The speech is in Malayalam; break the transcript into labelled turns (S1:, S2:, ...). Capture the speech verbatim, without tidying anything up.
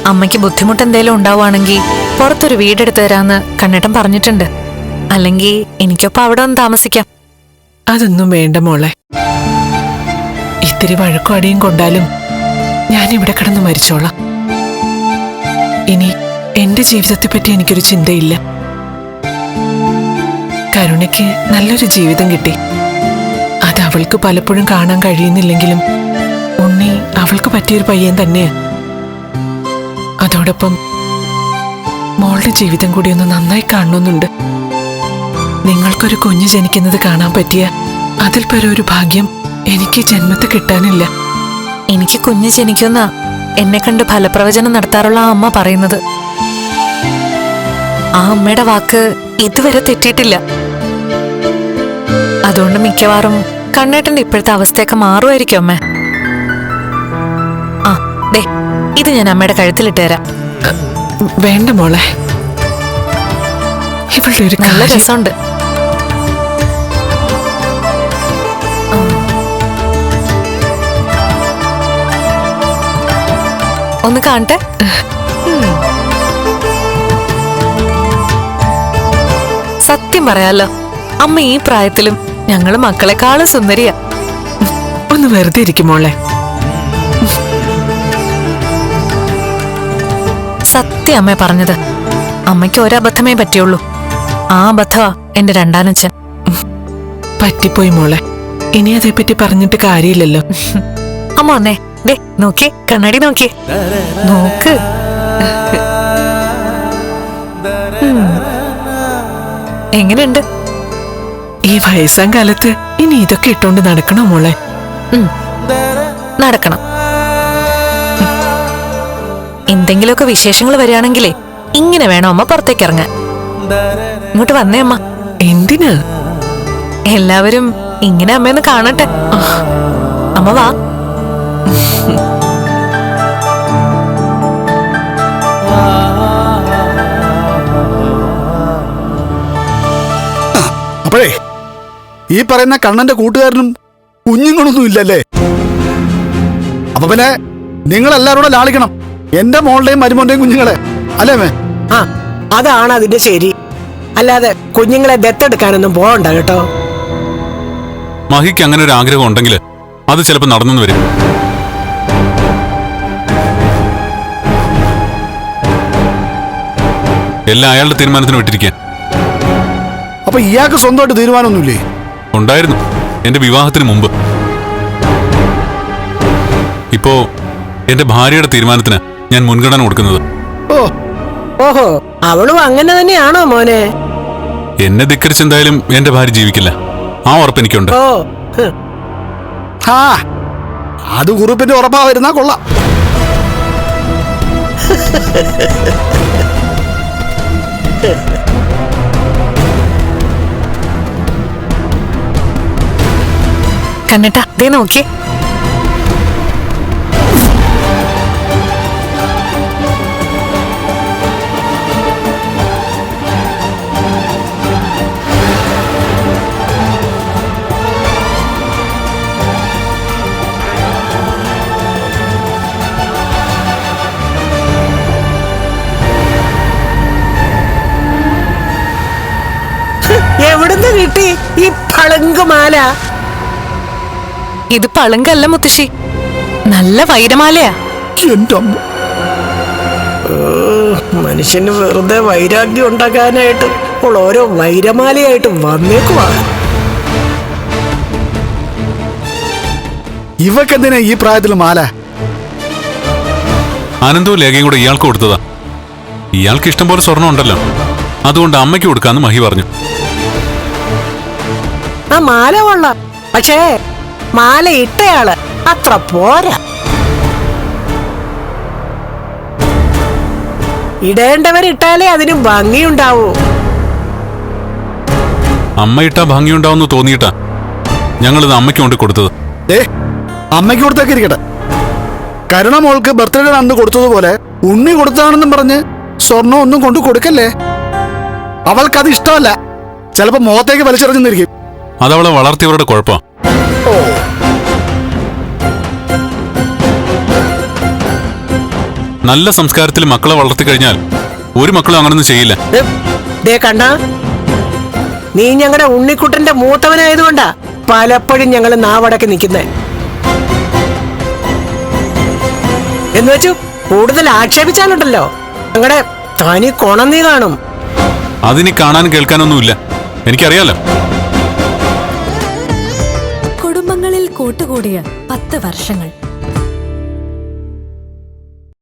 S1: അമ്മയ്ക്ക് ബുദ്ധിമുട്ട് എന്തേലും ഉണ്ടാവുകയാണെങ്കിൽ പുറത്തൊരു വീടെടുത്ത് തരാന്ന് കണ്ണേട്ടൻ പറഞ്ഞിട്ടുണ്ട്. അല്ലെങ്കിൽ എനിക്കൊപ്പം അവിടെ ഒന്ന് താമസിക്കാം.
S2: അതൊന്നും വേണ്ട മോളെ. ഇത്തിരി വഴക്കും അടിയും കൊണ്ടാലും ഞാൻ ഇവിടെ കിടന്ന് മരിച്ചോളാം. ഇനി എന്റെ ജീവിതത്തെ പറ്റി എനിക്കൊരു ചിന്തയില്ല. കരുണയ്ക്ക് നല്ലൊരു ജീവിതം കിട്ടി. അത് അവൾക്ക് പലപ്പോഴും കാണാൻ കഴിയുന്നില്ലെങ്കിലും ഉണ്ണി അവൾക്ക് പറ്റിയൊരു പയ്യൻ തന്നെയാ. അതോടൊപ്പം മോളുടെ ജീവിതം കൂടി ഒന്ന് നന്നായി കാണണമെന്നുണ്ട്. നിങ്ങൾക്കൊരു കുഞ്ഞ് ജനിക്കുന്നത് കാണാൻ പറ്റിയ അതിൽ പരം ഒരു ഭാഗ്യം എനിക്ക് ജന്മത്ത് കിട്ടാനില്ല.
S1: എനിക്ക് കുഞ്ഞ് ജനിക്കുന്ന എന്നെ കണ്ട് ഫലപ്രവചനം നടത്താറുള്ള ആ അമ്മ പറയുന്നത്. ആ അമ്മയുടെ വാക്ക് ഇതുവരെ തെറ്റിയിട്ടില്ല. അതുകൊണ്ട് മിക്കവാറും കണ്ണേട്ടന്റെ ഇപ്പോഴത്തെ അവസ്ഥയൊക്കെ മാറുമായിരിക്കും അമ്മ. ആ ദേ, ഇത് ഞാൻ അമ്മയുടെ കഴുത്തിലിട്ട് തരാം.
S2: വേണ്ട മോളെ, ഇവളുടെ ഒരു
S1: നല്ല രസമുണ്ട്. ഒന്ന് കാണട്ടെ. സത്യം പറയാലോ, അമ്മ ഈ പ്രായത്തിലും ഞങ്ങള് മക്കളെക്കാളും സുന്ദരിയാ.
S2: ഒന്ന് വെറുതെ ഇരിക്കും മോളെ.
S1: സത്യം അമ്മ പറഞ്ഞത്. അമ്മയ്ക്ക് ഒരബദ്ധമേ പറ്റിയുള്ളൂ. ആ അബദ്ധമാ എന്റെ രണ്ടാനച്ഛൻ.
S2: പറ്റിപ്പോയി മോളെ. ഇനി അതേപ്പറ്റി പറഞ്ഞിട്ട് കാര്യമില്ലല്ലോ.
S1: അമ്മ വന്നേ. ദേ നോക്കി, കണ്ണാടി നോക്കി നോക്ക്. എങ്ങനെയുണ്ട്?
S2: ഈ വയസ്സാം കാലത്ത് ഇനി ഇതൊക്കെ ഇട്ടോണ്ട് നടക്കണോ മോളെ?
S1: നടക്കണം. എന്തെങ്കിലുമൊക്കെ വിശേഷങ്ങൾ വരികയാണെങ്കിലേ ഇങ്ങനെ വേണം അമ്മ പുറത്തേക്ക് ഇറങ്ങാൻ. ഇങ്ങോട്ട് വന്നേ അമ്മ.
S2: എന്തിനാ?
S1: എല്ലാവരും ഇങ്ങനെ അമ്മയൊന്ന് കാണട്ടെ. അമ്മ വാ.
S3: അപ്പോഴേ ഈ പറയുന്ന കണ്ണന്റെ കൂട്ടുകാരനും കുഞ്ഞുങ്ങളൊന്നും ഇല്ലല്ലേ? അപ്പൊ പിന്നെ നിങ്ങളെല്ലാരും കൂടെ ലാളിക്കണം എന്റെ മോളുടെയും മരുമോന്റെയും കുഞ്ഞുങ്ങളെ, അല്ലേ മേ?
S4: ആ, അതാണ് അതിന്റെ ശരി. അല്ലാതെ കുഞ്ഞുങ്ങളെ ദത്തെടുക്കാനൊന്നും പോകണ്ട കേട്ടോ.
S5: മഹിക്ക് അങ്ങനെ ഒരു ആഗ്രഹം ഉണ്ടെങ്കിൽ അത് ചിലപ്പോൾ നടന്നു വരും. എല്ലാം അയാളുടെ തീരുമാനത്തിന് വിട്ടിരിക്കാൻ.
S3: അപ്പൊ ഇയാൾക്ക് സ്വന്തമായിട്ട് തീരുമാനമൊന്നുമില്ലേ?
S5: ഉണ്ടായിരുന്നു എന്റെ വിവാഹത്തിന് മുമ്പ്. ഇപ്പോ എന്റെ ഭാര്യയുടെ തീരുമാനത്തിന് ഞാൻ മുൻഗണന കൊടുക്കുന്നത്.
S3: ഓ
S4: ഓഹോ, അവളും അങ്ങനെ തന്നെയാണോ മോനെ?
S5: എന്നെ ധിക്കരിച്ചെന്തായാലും എന്റെ ഭാര്യ ജീവിക്കില്ല. ആ ഉറപ്പ് എനിക്കുണ്ട്.
S4: ഓ
S3: ഹാ, അത് കുറുപ്പിന്റെ ഉറപ്പാ വരുന്നാ കൊള്ളാം.
S1: കണ്ണേട്ടാ ദേ നോക്കി.
S4: എവിടുന്ന് കിട്ടി ഈ പളുങ്കുമാല?
S1: ഇത് പളുങ്കല്ല മുത്തശ്ശി, നല്ല വൈരമാലയാ.
S4: മനുഷ്യന് വെറുതെ വൈരാഗ്യം ഉണ്ടാക്കാനായിട്ട് ഇപ്പോൾ ഓരോ വൈരമാലയായിട്ട് വന്നേക്കുവാ.
S3: ഇവക്കെന്തിനാ ഈ പ്രായത്തിൽ മാല?
S5: ആനന്ദവും ലേഖയും കൂടെ ഇയാൾക്ക് കൊടുത്തതാ. ഇയാൾക്ക് ഇഷ്ടം പോലെ സ്വർണ്ണം ഉണ്ടല്ലോ, അതുകൊണ്ട് അമ്മയ്ക്ക് കൊടുക്കാന്ന് മഹി പറഞ്ഞു.
S4: ആ മാല കൊള്ളാം, പക്ഷേ മാല ഇട്ടയാള് അത്ര പോരാ. ഇടേണ്ടവരിട്ടാലേ അതിന് ഭംഗിയുണ്ടാവൂ.
S5: അമ്മ ഇട്ടാ ഭംഗിയുണ്ടാവുന്ന് തോന്നിയിട്ടാ ഞങ്ങളിത് അമ്മയ്ക്ക് കൊണ്ട് കൊടുത്തത്.
S3: ഏ അമ്മയ്ക്ക് കൊടുത്തേക്ക് ഇരിക്കട്ടെ. കരുണ മോൾക്ക് ബർത്ത്ഡേ അന്ന് കൊടുത്തതുപോലെ ഉണ്ണി കൊടുത്താണെന്നും പറഞ്ഞ് സ്വർണ്ണം ഒന്നും കൊണ്ടു കൊടുക്കല്ലേ. അവൾക്കത് ഇഷ്ടമല്ല. ചിലപ്പോ മുഖത്തേക്ക് വലിച്ചെറിഞ്ഞിരിക്കും.
S5: അതവളെ വളർത്തിയവരുടെ കുഴപ്പം. നല്ല സംസ്കാരത്തിൽ മക്കളെ വളർത്തി കഴിഞ്ഞാൽ ഒരു മക്കളും അങ്ങനൊന്നും ചെയ്യില്ല.
S4: ദേ, ദേ കണ്ട, നീ ഞങ്ങളുടെ ഉണ്ണിക്കുട്ടന്റെ മൂത്തവനായതുകൊണ്ടാ പലപ്പോഴും ഞങ്ങൾ നാവടക്കി നിൽക്കുന്നേ. എന്ന് വെച്ചു കൂടുതൽ ആക്ഷേപിച്ചാലുണ്ടല്ലോ ഞങ്ങളുടെ തനി കൊണം നീ കാണും.
S5: അതിനി കാണാനും കേൾക്കാനൊന്നുമില്ല, എനിക്കറിയാലോ.
S6: കുടുംബങ്ങളിൽ കൂട്ടുകൂടിയ പത്ത് വർഷങ്ങൾ